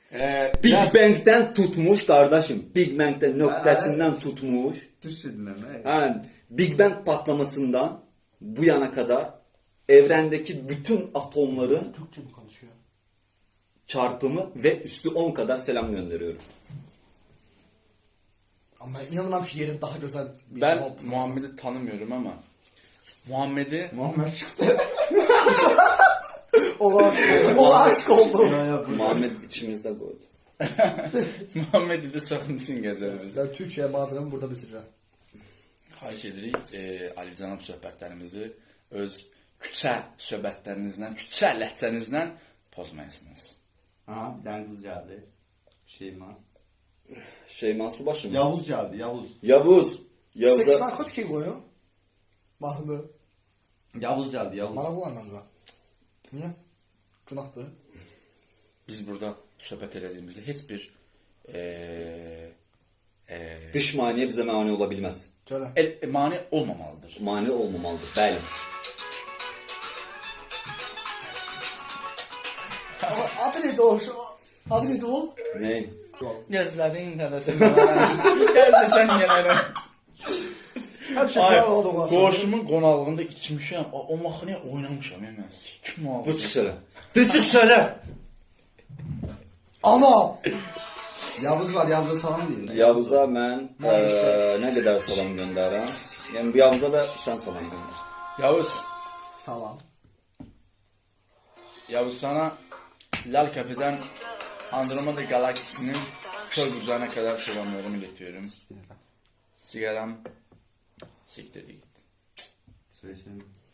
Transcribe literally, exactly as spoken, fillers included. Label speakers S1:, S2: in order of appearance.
S1: Ee,
S2: Big
S1: biraz-
S2: Bang'den tutmuş kardeşim. Big Bang'den noktasından tutmuş.
S3: Türkçe dinleme.
S2: Ha, Big Bang patlamasından bu yana kadar evrendeki bütün atomların
S4: Türkçe mi konuşuyor?
S2: çarpımı ve üstü on kadar selam gönderiyorum.
S4: Ama inanılmam ki yerin daha güzel bir
S1: Ben
S4: cevap.
S1: Muhammed'i tanımıyorum ama Muhammed'i
S3: Muhammed çıktı.
S4: O aşk oldu. O aşk oldu.
S2: Muhammed içimizde koydu.
S1: Muhammed'i de sokmuşsun gəzərimizə.
S4: Ben Türkçe'ye bazılarımı burada bitireceğim.
S1: Xahiş edirik e, Ali Canab söhbətlərimizi öz küçə söhbətlərinizlə, küçə ləhcənizlə pozmayasınız.
S3: Ha bir tane kız geldi. Şeyma.
S2: Şeyma Subaşı mı?
S3: Yavuz geldi Yavuz.
S2: Yavuz. Yavuz.
S4: Seks narkotik koyuyor. Mahmı.
S3: Yavuz geldi Yavuz.
S4: Bana bu anlamda. Niye? Günahtı.
S1: Biz burada söhbət elədiyimizdə heç bir e, e,
S2: Dış maniye bize mani olabilmez.
S4: Söyle.
S1: el, e, mane olmamalıdır.
S2: Mani olmamalıdır. Bəli.
S4: Adı neydi o? Adı neydi o?
S2: Ne?
S1: Gözlərin qədəsin gəlməsən gələrəm.
S4: Hep şey
S1: Ay,
S4: var oldu bu aslında.
S1: qoşumun qonaqlığında içmişəm. O, o mahnıya oynamışam ya mən. Kim aldı?
S2: Bu çıksana.
S4: Küçük söyle. Ana.
S3: Yavuz var Yavuz'a salam deyin.
S2: Yavuz'a mən eee, nə qədər salam göndərəm. Yəni bu Yavuz'a da sən salam göndər.
S1: Yavuz,
S4: Salam.
S1: Yavuz sana Lal Kafe'den Andromeda galaksisinin kör bucağına kadar selamlarımı iletiyorum. Sigaram siktir git.
S3: Söyleyeyim.